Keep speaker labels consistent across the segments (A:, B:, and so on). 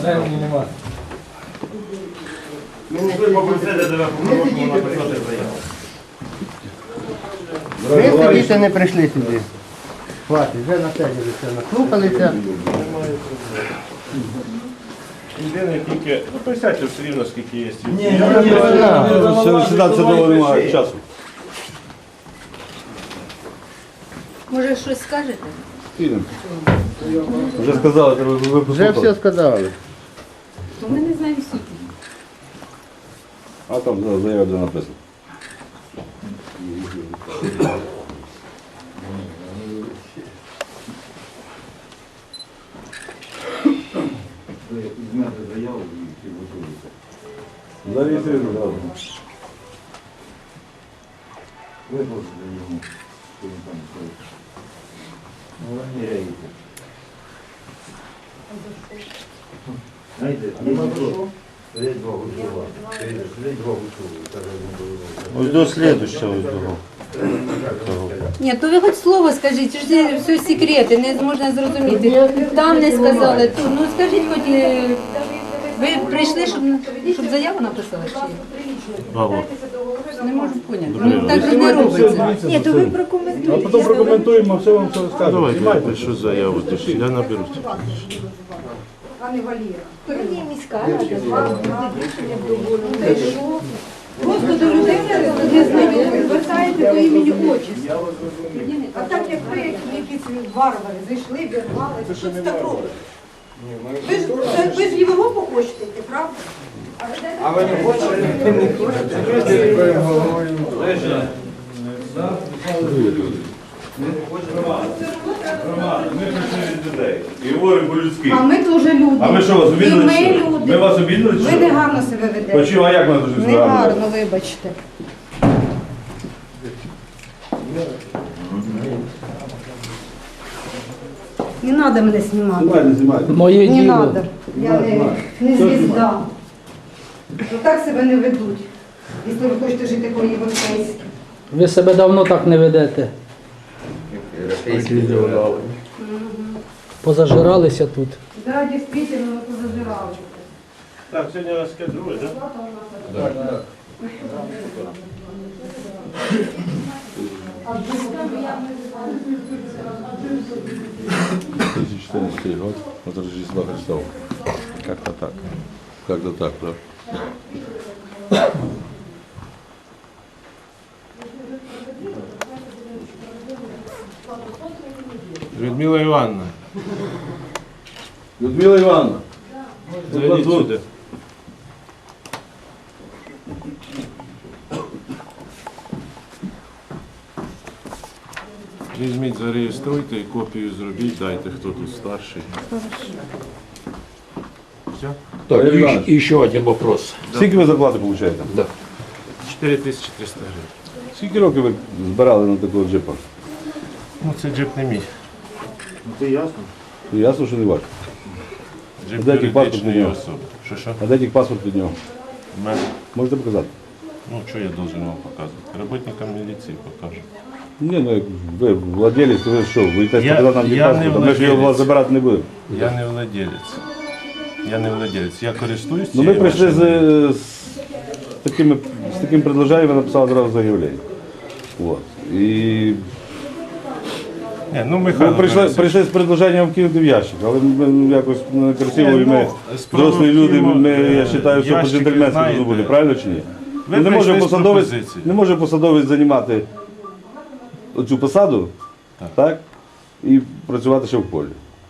A: Времени нема.
B: Ви попросили тебе по-хорошому написати заяву.
C: Ми сидіти не прийшли сюди. Хватить, вже на себе все наслухалися.
B: Єдине тільки, ну присядьте все рівно, скільки є.
D: Сідати довго немає часу.
E: Може, щось скажете?
D: Підемо. Вже сказали, треба ви
C: Вже все сказали.
E: То ми не знаємо суті.
D: А там заява вже написано. Зареєструйте зразу.
B: Ось до слідущого, ось того.
E: Ні, то ви хоч слово скажіть, що ж це все секрети, не можна зрозуміти. Там не сказали, тут. Ну скажіть хоч, ви прийшли, щоб заяву написали? Чи? Не можу поняти. Ну, так же не робиться.
F: Ні, то ви прокоментуйте.
D: А потім прокоментуємо, все вам все розкажемо.
B: Давайте, що заяву, то ж я наберу.
F: Ні, міська рада, рішення дозволено.
E: Просто до людей не знайомі, звертаєте до імені отчисла.
F: А так як ви, якісь варвари, зайшли, вірвали, що це так робите? Ви з Лівого хочете йти, правда?
A: А ви не хочете?
B: Ми прийшли від людей і говоримо по-людськи.
F: А ми теж люди.
B: А ми що, вас обідали?
F: І ми
B: чи що?
F: люди.
B: Ми вас обідали? чи
F: Ви
B: що?
F: негарно себе ведете.
B: Почему, а як ми дуже себе?
F: Негарно, вибачте. Не треба мене знімати.
D: Знімайте, знімайте.
A: Моє
F: Не
A: діло.
F: треба. Я не звізда. Так себе не ведуть. Якщо ви хочете жити по-європейськи.
A: Ви себе давно так не ведете. Позажиралися тут.
F: Да, дійсно, ми позабирали.
B: Так, сьогодні у нас яке друге, так? Так.
D: 2014 год, от Рождества Христова. Как-то так. Как-то так, да.
B: Людмила Івановна,
D: Людмила Івановна.
B: зайдіть сюди. Візьміть, зареєструйте і копію зробіть, дайте, хто тут старший. Все?
D: Так, Іванович,
G: Еще один вопрос.
D: скільки ви зарплати получаєте?
B: 4300 гривень.
D: Скільки років ви збирали на такого джипа?
B: Ну, це джип не мій.
D: Ну, ясно, що не ваш.
B: Джип
D: Де який паспорт
B: юридичної
D: у нього?
B: особи. Що?
D: А де тільки паспорт від нього?
B: В мене.
D: Можете показати?
B: Ну, що я должен вам показувати? Роботникам міліції покажу.
D: Ні, ну як ви владелець, ви що, ви йдете
B: Я-
D: показати нам
B: я
D: паспорт,
B: не
D: а ми ж його у вас
B: владелець.
D: забирати не будемо.
B: Я не владелець. Я не владелець. Я користуюсь
D: Ну ми
B: цією
D: прийшли
B: машиною.
D: з таким предложенням, ви написали одразу заявлення. Вот. І
B: Ні, ну,
D: ми
B: Михайло
D: прийшли з предложенням вкинути в ящик, але ми якось красиво, і ми дорослі люди, я вважаю, все по-джентльменськи должно бути, правильно чи ні?
B: Ви
D: Ну, не може
B: прийшли з
D: посадовець,
B: пропозицією.
D: не може посадовець займати оцю посаду, так, і працювати ще в полі.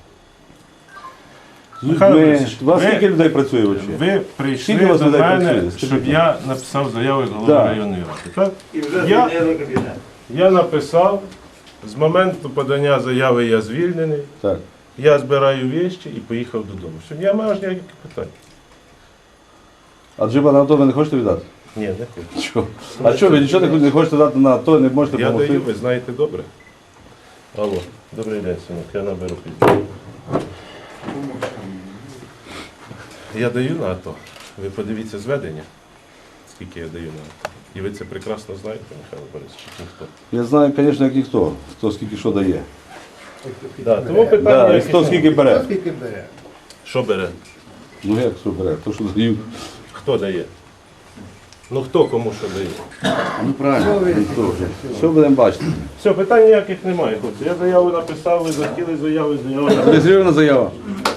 B: Михайло Борисович,
D: У вас
B: ви-
D: скільки людей працює взагалі?
B: Ви прийшли
D: Скільки у вас
B: до
D: людей
B: мене,
D: працює? Скажіть
B: щоб
D: нам.
B: я написав заяву як голова
D: Да.
B: районної ради. Так? Я написав, з моменту подання заяви я звільнений,
D: Так.
B: я збираю вещі і поїхав додому. Все, я маю аж ніяких питань.
D: А джипа на АТО ви не хочете віддати?
B: Ні, не хочу.
D: Чого? А що, ви нічого не хочете дати на АТО, не можете
B: Я
D: допомогти?
B: даю, ви знаєте добре. Алло, добрий день, синок, я наберу пізніше. Я даю на АТО. Ви подивіться зведення, скільки я даю на АТО. І ви це прекрасно знаєте, Михайло Борисович, ніхто.
D: Я знаю, звісно, як ніхто, хто скільки що дає.
B: Да, тому питання,
D: Да, і
B: яке-
D: хто скільки бере.
B: що бере?
D: Ну як що бере? То, що дають.
B: Хто дає? Ну хто кому що дає?
D: Ну правильно. Що будемо бачити?
B: Все, питань ніяких немає, хлопці. Я заяву написав, ви захотіли заяву, заяву написав.
D: Реєстрована заява.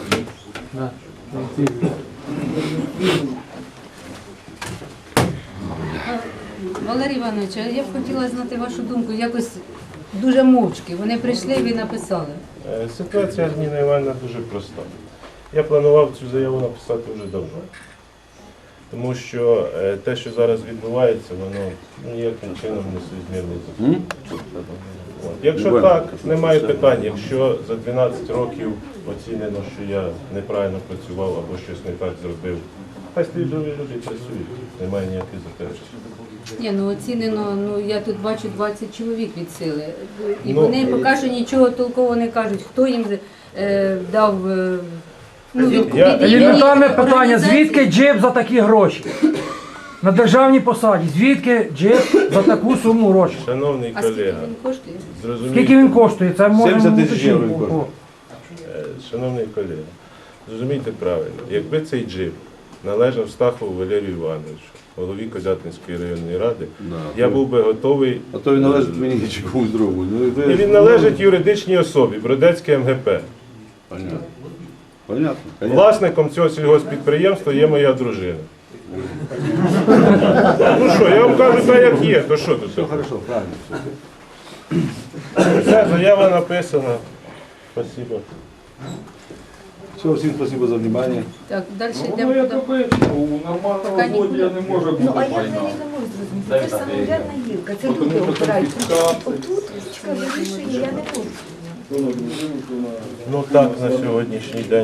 E: Валерій Іванович, а я б хотіла знати вашу думку, якось дуже мовчки. Вони прийшли, ви написали.
B: Ситуація Ніна Івановна дуже проста. Я планував цю заяву написати вже давно. Тому що те, що зараз відбувається, воно ніяким чином не соізмірне з законом. От. Якщо так, немає питань. Якщо за 12 років оцінено, що я неправильно працював або щось не так зробив, хай слідові люди працюють, немає ніяких заперечень.
E: Ні, ну оцінено, ну я тут бачу 20 чоловік від сили. І
B: Ну,
E: вони поки що нічого толково не кажуть, хто їм дав
G: Елементарне питання, звідки джип за такі гроші? На державній посаді, звідки джип за таку суму грошей?
B: Шановний
E: А скільки
B: колега,
E: він коштує?
G: Скільки він
B: зрозумійте,
G: коштує? Це можемо
D: 70 тисяч євро він
G: уточнити.
D: коштує.
B: шановний колега, зрозумійте правильно, якби цей джип належав Стахову Валерію Івановичу, голові Козятинської районної ради, я був би готовий.
D: А то він належить мені чи комусь другому. Ну,
B: І він належить юридичній особі, Бродецьке МГП.
D: Понятно. Понятно.
B: Власником цього сільгоспідприємства є моя дружина. Ну що, я вам кажу так, як є, то що тут?
D: Хорошо, правильно.
B: Все, заява написана. Спасибо.
D: Все, всім спасибо за внимание.
E: Так, далі йдемо. Поки нікуди.
F: Ну, а я взагалі не можу зрозуміти. Це ж самоврядна гілка, це люди обирають. Отут чітко вирішує, я не можу.
B: Ну так, на сьогоднішній день.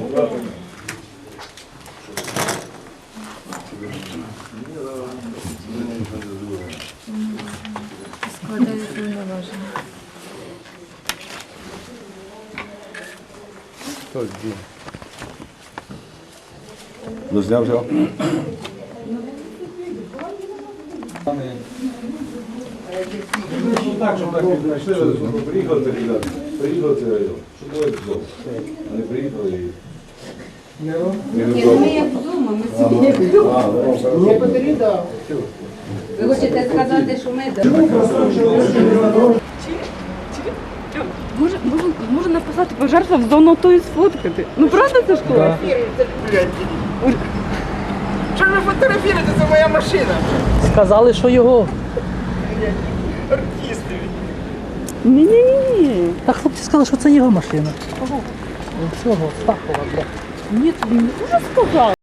E: Складають повноваження.
D: Дозняв все? Так, щоб так віднайшли, приїхали це ребята. Приїхали це район. Що було вдома? Вони приїхали і...
E: Ні, ну ми як вдома, ми собі як вдома. Ви хочете сказати, що ми
H: Може написати пожертва в зону тої сфоткати. Ну правда це ж клас?
I: Що ви фотографуєте? Це моя машина.
A: Сказали, що його.
I: Артисти.
H: Ні-ні-ні.
A: Та хлопці сказали, що це його машина. Кого? Цього, Стахова, блядь.
H: Ні, тобі не дуже сказали.